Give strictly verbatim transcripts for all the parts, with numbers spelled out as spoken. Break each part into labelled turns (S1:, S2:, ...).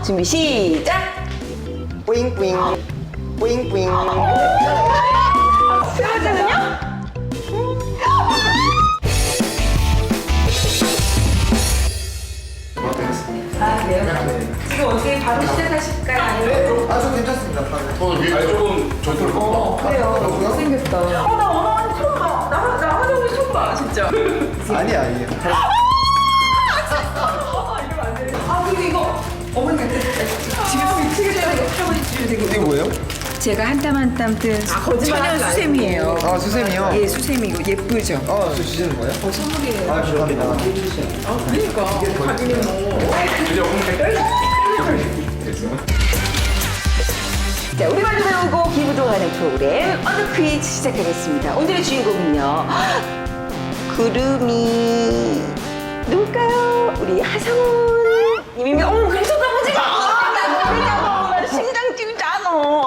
S1: 준비 시작!
S2: 뿌잉뿌잉 뿌잉뿌잉.
S1: 세 번째는요? 아, 그래요? 지금 어떻게 바로 시작하실까요? 아니면?
S2: 아, 저 괜찮습니다.
S3: 저는 아니 조금 저쪽으로
S1: 어, 그래요. 잘생겼다. 어, 나 원어원 처음 봐. 나, 나 하정우 처음 봐, 진짜.
S2: 아니 아니에요.
S1: 아, 그리고 이거 어머니한테 집에서 미치게 되는 거 할아버지 집에 되게.
S2: 이게 뭐예요?
S4: 제가 한 땀 한 땀 뜬
S1: 아, 거짓말
S4: 천연
S1: 하지
S4: 수세미예요.
S2: 아, 수세미요?
S4: 예, 수세미고 예쁘죠?
S2: 아, 저 주시는 거예요?
S1: 어, 선물이에요.
S2: 아, 감사합니다.
S1: 그러니까. 자기는 뭐.
S3: 그냥 오늘
S1: 자, 우리말도 배우고 기분 좋아하는 프로그램 언더 퀴즈 시작하겠습니다. 오늘의 주인공은요. 구름이 누굴까요? 우리 하성훈 님이면 어머 그래서 나머지가 아, 나 모르잖아. 나 심장 뛰잖아.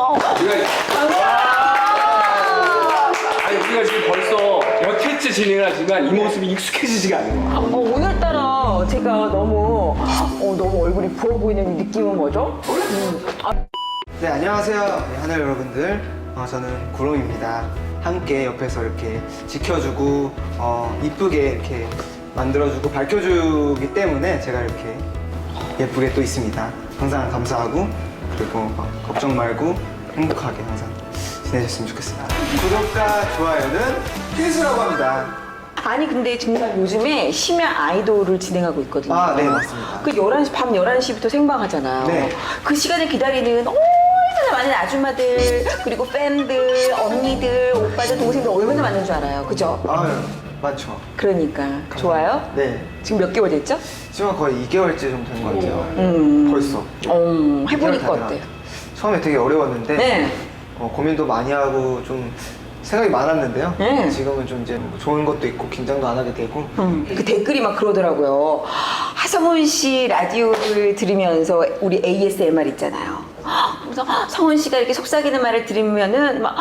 S3: 아니 우리가 지금 벌써 여태째 진행을 하지만 이 모습이 익숙해지지가 않는 거야.
S1: 어, 오늘따라 제가 너무 어, 너무 얼굴이 부어 보이는 느낌은 뭐죠? 음. 아,
S2: 네, 안녕하세요. 네, 하늘 여러분들. 어, 저는 구름입니다. 함께 옆에서 이렇게 지켜주고 어, 이쁘게 이렇게 만들어주고 밝혀주기 때문에 제가 이렇게 예쁘게 또 있습니다. 항상 감사하고 그리고 막 걱정 말고 행복하게 항상 지내셨으면 좋겠습니다. 구독과 좋아요는 필수라고 합니다.
S1: 아니 근데 정말 요즘에 심야 아이돌을 진행하고 있거든요.
S2: 아, 네, 맞습니다.
S1: 그 열한 시, 밤 열한 시부터 생방하잖아요.
S2: 네.
S1: 그 시간을 기다리는 얼마나 많은 아줌마들, 그리고 팬들, 언니들, 오빠들, 동생들 얼마나 많은 줄 알아요. 그죠?
S2: 아유, 맞죠.
S1: 그러니까 좋아요?
S2: 네.
S1: 지금 몇 개월 됐죠?
S2: 지금 거의 이 개월째 정도 된 것 같아요.
S1: 음.
S2: 벌써.
S1: 어, 해보니까
S2: 이렇게
S1: 어때요?
S2: 처음에 되게 어려웠는데
S1: 네.
S2: 어, 고민도 많이 하고 좀 생각이 많았는데요.
S1: 네.
S2: 지금은 좀 이제 뭐 좋은 것도 있고 긴장도 안 하게 되고.
S1: 음, 그 댓글이 막 그러더라고요. 하성훈 씨 라디오를 들으면서 우리 에이에스엠알 있잖아요. 그래서 성훈 씨가 이렇게 속삭이는 말을 들으면은 막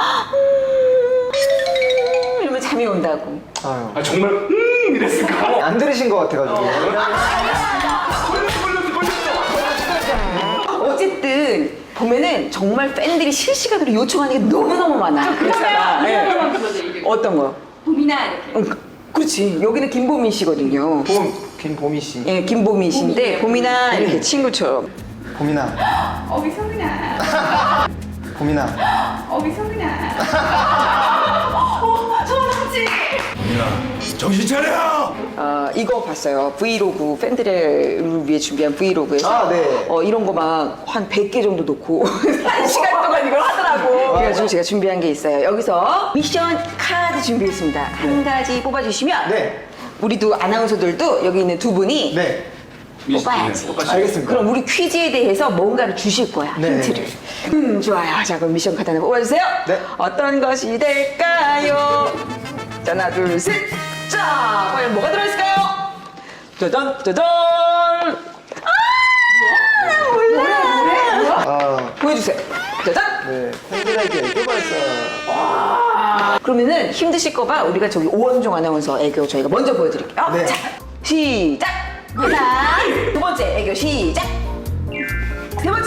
S1: 음, 이러면 잠이 온다고.
S2: 아유.
S3: 아 정말 음 이랬을까?
S2: 안 들으신 것 같아가지고.
S1: 어쨌든 보면은 정말 팬들이 실시간으로 요청하는 게 너무너무 많아. 그렇잖아. 네. 어떤 거?
S4: 봄이나 이렇게.
S1: 응, 그- 그렇지. 여기는 김보민 씨거든요.
S2: 봄, 김보미 씨.
S1: 예, 김보민 씨인데 봄이나 이렇게 친구처럼.
S2: 봄이나,
S4: 어비 성은아.
S2: 봄이나.
S4: 어비 성은아. 어, 소원하지.
S3: 정신 차려!
S1: 어, 이거 봤어요. 브이로그 팬들을 위해 준비한 브이로그에서
S2: 아, 네.
S1: 어, 이런 거 막 한 백 개 정도 놓고 한 시간 동안 이걸 하더라고. 그래가지고 제가 준비한 게 있어요. 여기서 미션 카드 준비했습니다. 한 가지 뽑아주시면
S2: 네.
S1: 우리도 아나운서들도 여기 있는 두 분이
S2: 네.
S1: 뽑아야지.
S2: 알겠습니다.
S1: 그럼 우리 퀴즈에 대해서 뭔가를 주실 거야.
S2: 네.
S1: 힌트를. 음, 좋아요. 자, 그럼 미션 카드 하나 뽑아주세요.
S2: 네.
S1: 어떤 것이 될까요? 자, 하나, 둘, 셋. 자, 과연 뭐가 들어있을까요? 짜잔, 짜잔. 아, 나 몰라.
S2: 아,
S1: 보여주세요. 짜잔.
S2: 네. 팬들에게 애교 발사.
S1: 그러면은 힘드실 거봐. 우리가 저기 오원종 아나운서 애교 저희가 먼저 보여드릴게요.
S2: 네.
S1: 자, 시작. 하나, 두 번째 애교 시작. 세 번째.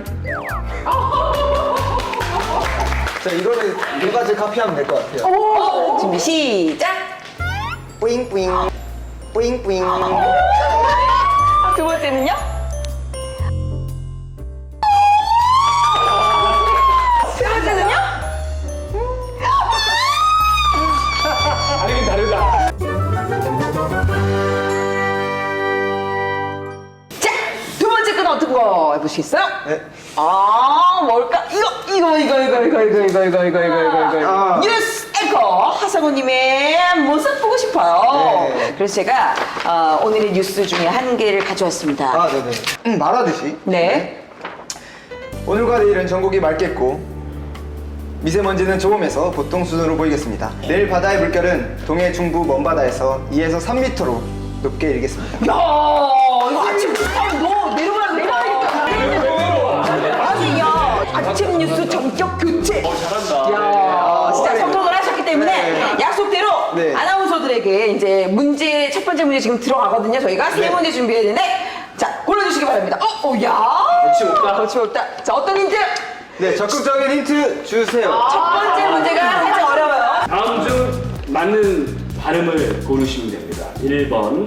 S2: 자, 이거를 두 가지 카피하면 될 것 같아요.
S1: 오, 준비 시작.
S2: 뿌잉뿌잉. 뿌잉뿌잉.
S1: 두 번째는요? 세 번째는요?
S3: 다르긴 다르다.
S1: 자, 두 번째 건 어떤 거 해보시겠어요?
S2: 네.
S1: 아, 뭘까? 이거, 이거, 이거, 이거, 이거, 이거, 이거, 이거, 이거, 이거, 이거, 이거.
S2: 아.
S1: 뉴스 앵커 하성우님의 모습 보고 싶어요.
S2: 네.
S1: 그래서 제가 어, 오늘의 뉴스 중에 한 개를 가져왔습니다.
S2: 아, 네네. 음, 말하듯이.
S1: 네.
S2: 오늘과 내일은 전국이 맑겠고 미세먼지는 조금해서 보통 수준으로 보이겠습니다. 내일 바다의 물결은 동해 중부 먼바다에서 이에서 삼 미터로 높게 일겠습니다.
S1: 야, 이거 아침 아, 너 내려가야 내려가야겠다. 아니, 야, 아침 뉴스 전격 교체.
S3: 어 잘한다.
S1: 야, 진짜
S2: 네.
S1: 성공을 하셨기 때문에
S2: 네.
S1: 약속대로
S2: 네.
S1: 아나운서들에게 이제 문제 첫 번째 문제 지금 들어가거든요. 저희가 세
S2: 네.
S1: 문제 준비했는데 자 골라주시기 바랍니다. 어, 어, 야.
S3: 거침없다.
S1: 거침없다. 자, 어떤 힌트?
S2: 네, 적극적인 힌트 주세요.
S1: 첫 번째 문제가 살짝 어려워요.
S3: 다음 중 맞는 발음을 고르시면 됩니다. 일 번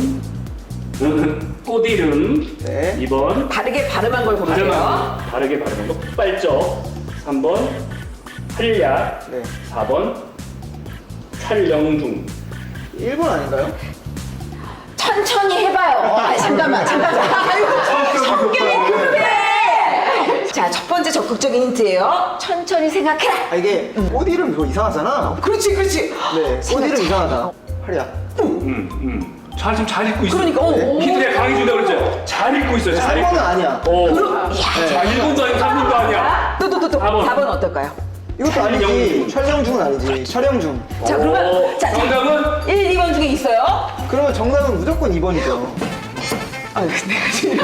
S3: 꽃이름,
S2: 네.
S3: 이 번
S1: 다르게 발음한 걸 고르세요.
S3: 발음한 다르게 발음한 거 폭발적, 삼 번 한약,
S2: 네.
S3: 사 번 촬영 중.
S2: 일 번 아닌가요?
S1: 천천히 해봐요. 아, 잠깐만, 잠깐만. 아이고, 성격이 급해. 자, 첫 번째 적극적인 힌트예요. 천천히 생각해라.
S2: 아, 이게 꽃 이름 이거 이상하잖아.
S1: 그렇지, 그렇지.
S2: 네, 꽃 이름 이상하다. 하리야.
S3: 음, 음. 잘, 지금 잘 읽고 있어.
S1: 그러니까, 어, 어.
S3: 힌트를 강해준다 그랬죠? 잘 읽고 있어요, 잘
S2: 삼
S3: 읽고.
S2: 번은 아니야.
S3: 어.
S1: 그럼,
S3: 자, 일 번도 아니고 삼 번도 아니야.
S1: 또, 또, 또, 또.
S3: 사 번.
S1: 사 번 어떨까요?
S2: 이것도 아니지. 촬영 중은 아니지. 촬영 중.
S1: 자, 그러면,
S3: 어,
S1: 자, 자,
S3: 정답은?
S1: 일, 이 번 중에 있어요.
S2: 그러면 정답은 무조건 이 번이죠.
S1: 아, 근데 지금.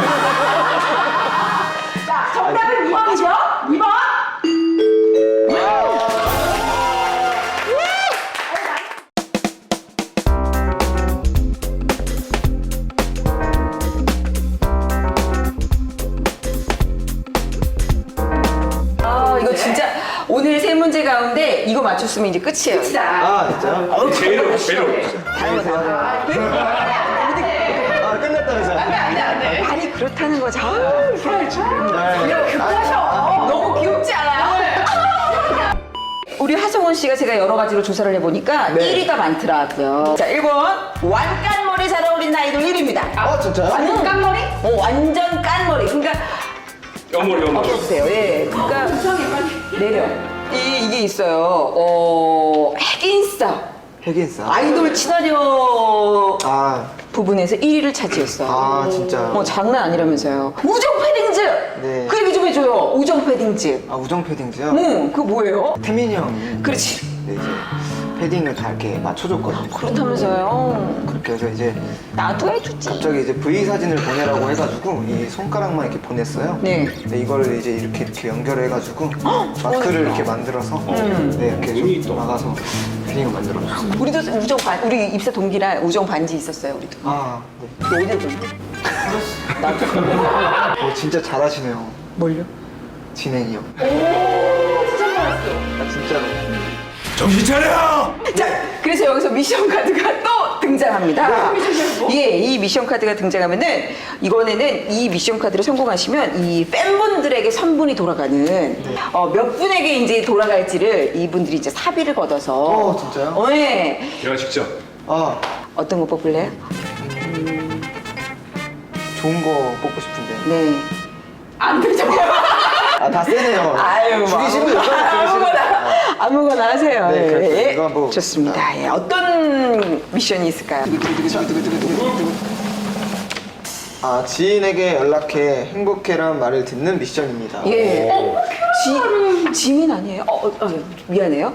S1: 자, 정답은 이 번이죠? 이 번. 아, 이거 진짜 오늘 세 문제 가운데 이거 맞췄으면 이제 끝이에요. 끝이다.
S2: 아, 진짜요?
S3: 제일 어려워, 제일 어려워.
S1: 다른 거 다.
S2: 아, 끝났다면서요?
S1: 아니 그렇다는 거죠. 아우,
S2: 네.
S1: 급하셔. 너무 귀엽지 않아요? 우리 하성원 씨가 제가 여러 가지로 조사를 해보니까
S2: 네.
S1: 일 위가 많더라고요. 자, 일 번 완깐머리 잘 어울리는 아이돌 일 위입니다.
S2: 아, 진짜요?
S1: 완전 깐머리? 어, 완전 깐머리. 그러니까
S3: 연몰, 연몰.
S1: 어떠세요? 예. 그러니까 내려. 이 이게 있어요. 어, 핵인싸.
S2: 핵인싸.
S1: 아이돌 친화력
S2: 아,
S1: 부분에서 일 위를 차지했어.
S2: 아, 진짜.
S1: 뭐 장난 아니라면서요. 우정 패딩즈.
S2: 네.
S1: 그 얘기 좀 해줘요. 우정 패딩즈.
S2: 아, 우정 패딩즈요?
S1: 응, 그거 뭐예요?
S2: 태민이 형이.
S1: 그렇지.
S2: 네, 이제 패딩을 다 이렇게 맞춰줬거든요.
S1: 그렇다면서요.
S2: 그렇게 해서 이제
S1: 나도 해주지.
S2: 갑자기 이제 V 사진을 보내라고 해가지고 이 손가락만 이렇게 보냈어요.
S1: 네.
S2: 근데 이걸 이제 이렇게 이렇게 연결해가지고 마크를 이렇게 만들어서 네, 이렇게
S3: 의미 있다.
S2: 좀 나가서 패딩을 만들어줬어요.
S1: 우리도 우정 반, 우리 입사 동기랑 우정 반지 있었어요. 우리도.
S2: 아, 네.
S1: 너 어디 건데? 나도.
S2: 어, 진짜 잘하시네요.
S1: 뭘요?
S2: 진행이요. 오, 진짜 잘했어. 아, 진짜로.
S3: 정신 차려!
S1: 자, 그래서 여기서 미션 카드가 또 등장합니다. 예, 이 미션 카드가 등장하면은 이번에는 이 미션 카드를 성공하시면 이 팬분들에게 선분이 돌아가는 어, 몇 분에게 이제 돌아갈지를 이분들이 이제 사비를 걷어서.
S2: 어, 진짜요?
S1: 어, 예.
S3: 제가 직접.
S2: 아,
S1: 어떤 거 뽑을래요?
S2: 좋은 거 뽑고 싶은데.
S1: 네. 안 되죠.
S2: 아, 다 세네요.
S1: 아유,
S2: 죽이시고
S1: 뭐,
S2: 여자를 죽이시고.
S1: 아무거나 아무거나 하세요.
S2: 네, 그렇죠.
S1: 예.
S2: 이거 뭐-
S1: 좋습니다. 예. 어떤 미션이 있을까요?
S2: 아, 지인에게 연락해 행복해란 말을 듣는 미션입니다.
S1: 예. 어, 지, 지민 아니에요? 어, 어, 어, 미안해요.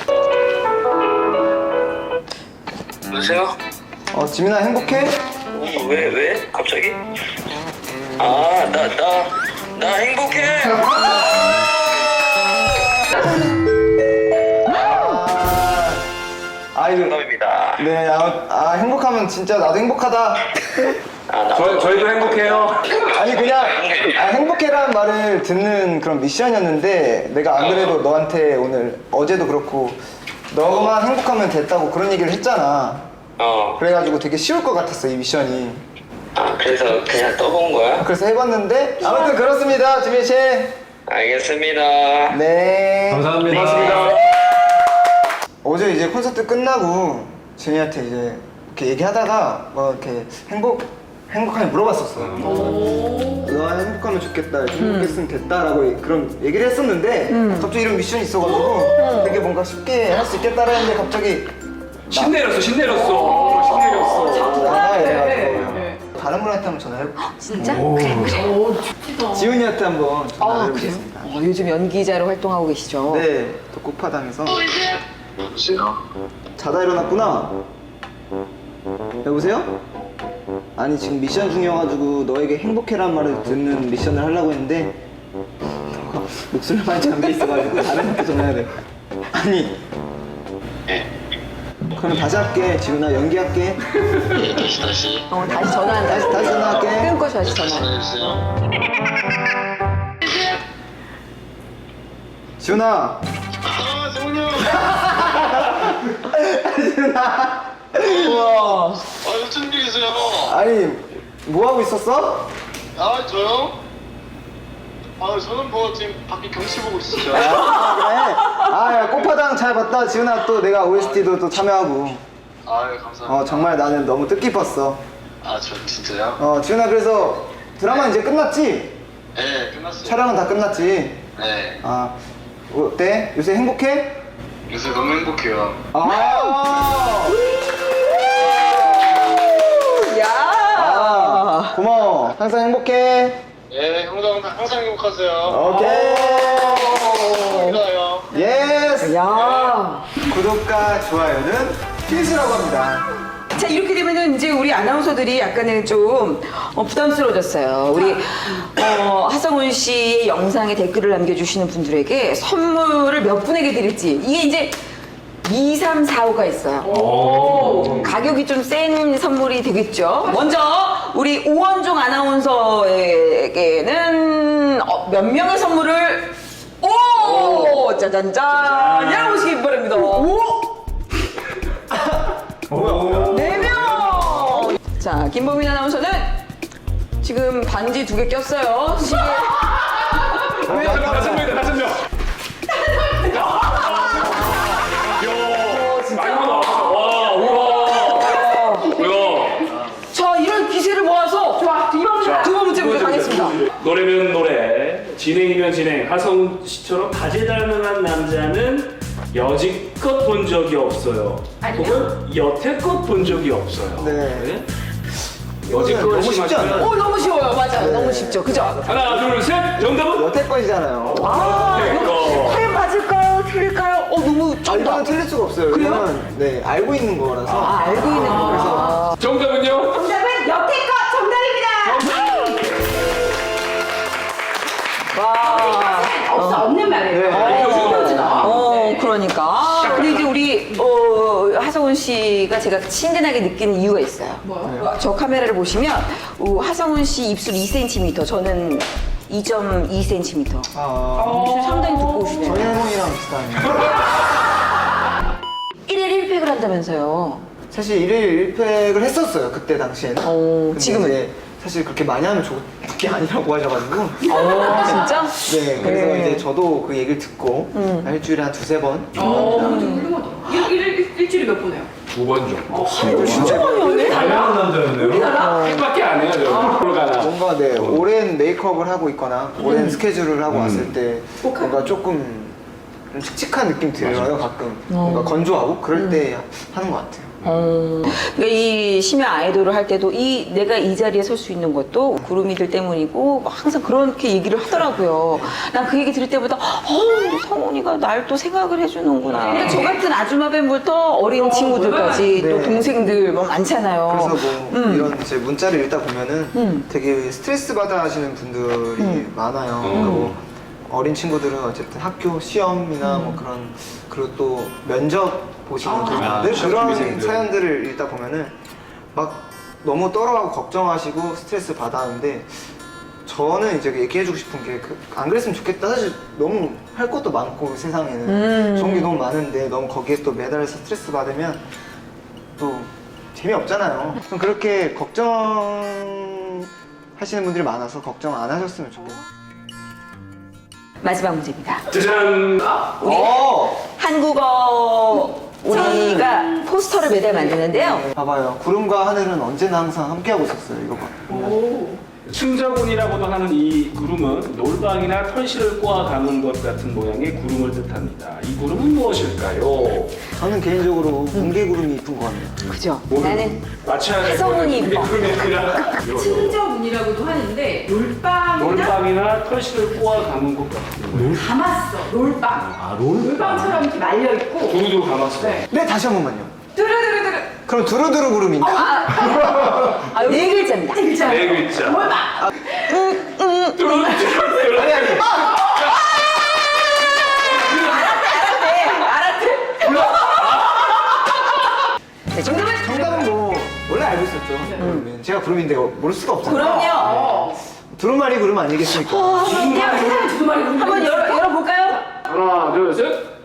S5: 여보세요?
S2: 어, 지민아 행복해?
S5: 어, 왜, 왜? 갑자기? 아, 나, 나, 나 행복해!
S2: 아, 이거.
S5: 정답입니다.
S2: 네, 아, 아, 행복하면 진짜 나도 행복하다.
S5: 아, 나,
S3: 저, 저희도 행복해요.
S2: 아니, 그냥 아, 행복해라는 말을 듣는 그런 미션이었는데 내가 안 그래도 너한테 오늘 어제도 그렇고 너만 행복하면 됐다고 그런 얘기를 했잖아.
S5: 어,
S2: 그래가지고 되게 쉬울 것 같았어, 이 미션이.
S5: 아, 그래서 그냥 떠본 거야?
S2: 그래서 해봤는데 아무튼 그렇습니다, 지민 씨.
S5: 알겠습니다.
S2: 네.
S3: 감사합니다. 고맙습니다.
S2: 어제 이제 콘서트 끝나고 지민이한테 이제 이렇게 얘기하다가 뭐 이렇게 행복 행복하게 물어봤었어. 너 행복하면 좋겠다, 행복했으면 됐다라고 그런 얘기를 했었는데 갑자기 이런 미션이 있어가지고 되게 뭔가 쉽게 할 수 있겠다라 했는데 갑자기
S3: 신 내렸어, 신 내렸어. 신 내렸어.
S2: 나가 이래가지고 다른 분한테 한번 전화해볼게.
S1: 진짜? 그래, 그래.
S2: 지훈이한테 한번
S1: 아, 그래요?
S2: 전화해보겠습니다.
S1: 어, 요즘 연기자로 활동하고 계시죠?
S2: 네, 또 꽃파당에서
S5: 여보세요?
S2: 자다 일어났구나. 여보세요? 아니 지금 미션 중이어가지고 너에게 행복해란 말을 듣는 미션을 하려고 했는데 너가 목소리가 많이 잠겨 있어가지고 다른 분한테 전화해야 돼. 아니 그러면 다시 할게. 지훈아 연기할게.
S5: 예, 다시, 다시.
S1: 어, 다시 전화한다.
S2: 다시 다시 전화할게.
S1: 끊고 다시 전화.
S5: 전화해주세요.
S2: 지훈아.
S6: 아, 성훈이 형.
S2: 지훈아.
S1: 우와.
S6: 아, 무슨 일이세요?
S2: 아니 뭐 하고 있었어?
S6: 아, 저요? 아, 저는 뭐 지금 밖에 경치 보고 있었어요.
S2: 아 그래? 아야 꽃파당 잘 봤다. 지훈아 또 내가 오에스티도 또 참여하고.
S6: 아, 예, 감사합니다.
S2: 어 정말 나는 너무 뜻깊었어.
S6: 아, 저 진짜요?
S2: 어 지훈아 그래서 드라마 이제 끝났지?
S6: 네, 끝났어요.
S2: 촬영은 다 끝났지?
S6: 네,
S2: 아 어때? 요새 행복해?
S6: 요새 너무 행복해요.
S2: 아,
S1: 야.
S2: 아 고마워. 항상 행복해.
S6: 네, 형도 항상, 항상 행복하세요.
S2: 오케이.
S6: 감사해요.
S2: 예스.
S1: 야.
S2: 구독과 좋아요는 필수라고 합니다.
S1: 자, 이렇게 되면은 이제 우리 아나운서들이 약간은 좀 어, 부담스러워졌어요. 우리 어, 하성훈 씨의 영상에 댓글을 남겨주시는 분들에게 선물을 몇 분에게 드릴지 이게 이제 이, 삼, 사, 오가 있어요. 가격이 좀 센 선물이 되겠죠. 먼저 우리 오원종 아나운서에게는 어, 몇 명의 선물을 오 짜잔짠 열어보시기 바랍니다. 오! 네 명! 자, 김보민 아나운서는 지금 반지 두 개 꼈어요. 시계.
S3: 다섯 명이다, 다섯 명. 많이 나왔어. 와, 우와. 우와.
S1: 자, 이런 기세를 모아서 좋아, 두 번째, 두 번째 문제 가겠습니다.
S3: 노래면 노래, 진행이면 진행. 하성훈 씨처럼 다재다능한 남자는 여지껏 본 적이 없어요. 혹은 여태껏 본 적이 없어요.
S2: 네.
S3: 여지껏
S2: 너무 쉽지 않아요?
S1: 오, 너무 쉬워요. 맞아요. 너무 쉽죠. 그죠?
S3: 하나, 둘, 셋. 정답은?
S2: 여태껏이잖아요.
S1: 아,
S3: 이거.
S1: 과연 맞을까요? 틀릴까요? 어, 너무
S2: 아,
S1: 정답.
S2: 이거는 틀릴 수가 없어요.
S1: 그래요?
S2: 이거는 네 알고 있는 거라서.
S1: 아, 알고 있는 거. 그래서.
S3: 정답은요?
S4: 정답은 여태껏 정답입니다.
S1: 와.
S4: 없어 없는 말이에요.
S2: 네.
S1: 어, 그러니까. 근데 이제 우리, 어, 하성훈 씨가 제가 친근하게 느끼는 이유가 있어요. 뭐요? 저 카메라를 보시면, 어, 하성훈 씨 입술 이 센티미터, 저는 이 점 이 센티미터.
S2: 아,
S1: 입술 상당히 두꺼우시네요.
S2: 전현웅이랑 비슷하네요.
S1: 일일 일 팩을 한다면서요.
S2: 사실 일일 일 팩을 했었어요. 그때 당시에는.
S1: 어,
S2: 근데
S1: 지금은?
S2: 이제 사실 그렇게 많이 하면 좋은 게 아니라고 하셔가지고.
S1: 어, 진짜?
S2: 네, 그래서
S1: 네.
S2: 이제 저도 그 얘기를 듣고 한 일주일에 한 두세 번.
S4: 일, 일, 일주일에 몇 번 해요?
S3: 두 번 정도.
S1: 진짜 많이 하네?
S3: 다양한 남자였네요. 핵밖에 안 해요, 저. 프로 가나.
S2: 뭔가 네 오랜 메이크업을 하고 있거나 오랜 스케줄을 하고 왔을 때 뭔가 조금 좀 칙칙한 느낌 들어요 가끔 뭔가 건조하고 그럴 때 하는 것 같아요.
S1: 어, 그러니까 이 심야 아이돌을 할 때도 이 내가 이 자리에 설 수 있는 것도 구름이들 때문이고 막 항상 그렇게 얘기를 하더라고요. 난 그 얘기 들을 때보다 어, 성훈이가 날 또 생각을 해주는구나. 근데 저 같은 아줌마 뱀부터 어린 친구들까지
S2: 네.
S1: 또 동생들 뭐 많잖아요.
S2: 그래서 뭐
S1: 음.
S2: 이런 이제 문자를 읽다 보면은
S1: 음.
S2: 되게 스트레스 받아 하시는 분들이 많아요. 그러니까 뭐 어린 친구들은 어쨌든 학교 시험이나 뭐 그런 그리고 또 면접 보시는 분들
S3: 아,
S2: 그런
S3: 시험생들.
S2: 사연들을 읽다 보면은 막 너무 떨어하고 걱정하시고 스트레스 받아 하는데 저는 이제 얘기해주고 싶은 게 안 그랬으면 좋겠다. 사실 너무 할 것도 많고 세상에는
S1: 음.
S2: 좋은 게 너무 많은데 너무 거기에 또 매달려서 스트레스 받으면 또 재미없잖아요. 좀 그렇게 걱정 하시는 분들이 많아서 걱정 안 하셨으면 좋겠어요.
S1: 마지막 문제입니다.
S3: 짜잔.
S1: 우리
S2: 어!
S1: 한국어 우리가 포스터를 매달 만드는데요.
S2: 봐봐요. 구름과 하늘은 언제나 항상 함께하고 있었어요. 이거 봐.
S3: 승자군이라고도 하는 이 구름은 놀방이나 털실을 꼬아가는 것 같은 모양의 구름을 뜻합니다. 이 구름은 무엇일까요?
S2: 저는 개인적으로 뭉게구름이 이쁜 것 같네요.
S1: 그죠? 나는
S3: 맞춰야 될
S1: 하성훈이
S3: 거는
S1: 이뻐.
S3: 구름이 아니라
S4: 친저분이라고도 하는데 놀빵이나
S3: 놀방이나 털실을 꼬아가는 것 같은 모양.
S4: 감았어. 놀빵. 아, 놀빵처럼 이렇게 말려 있고.
S3: 두루두루 감았어요.
S4: 네.
S2: 네, 다시 한 번만요.
S4: 두루두루두루.
S2: 그럼 두루두루 구름인가?
S1: 아, 네 글자입니다.
S4: 진짜.
S3: 네 글자.
S4: 놀빵.
S3: 두루두루.
S2: 아니, 아니.
S1: 네, 정답은?
S2: 정답은 뭐, 원래 알고 있었죠. 구름은. 제가 구름인데 모를 수가 없잖아요.
S1: 그럼요.
S2: 두루마리 구름 아니겠습니까?
S4: 그냥 세상에 두루마리 구름.
S1: 한번 열어, 열어볼까요?
S3: 하나, 둘, 셋.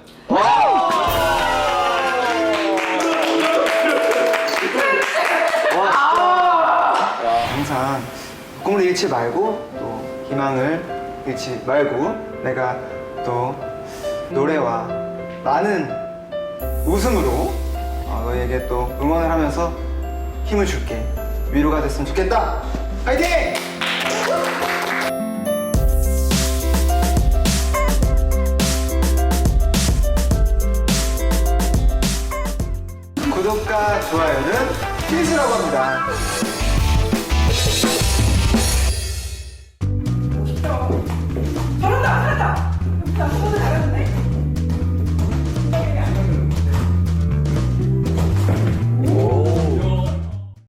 S2: 항상 꿈을 잃지 말고 또 희망을 잃지 말고 내가 또 노래와 많은 웃음으로 어, 너에게 또 응원을 하면서 힘을 줄게. 위로가 됐으면 좋겠다. 화이팅! 구독과 좋아요는 필수라고 합니다.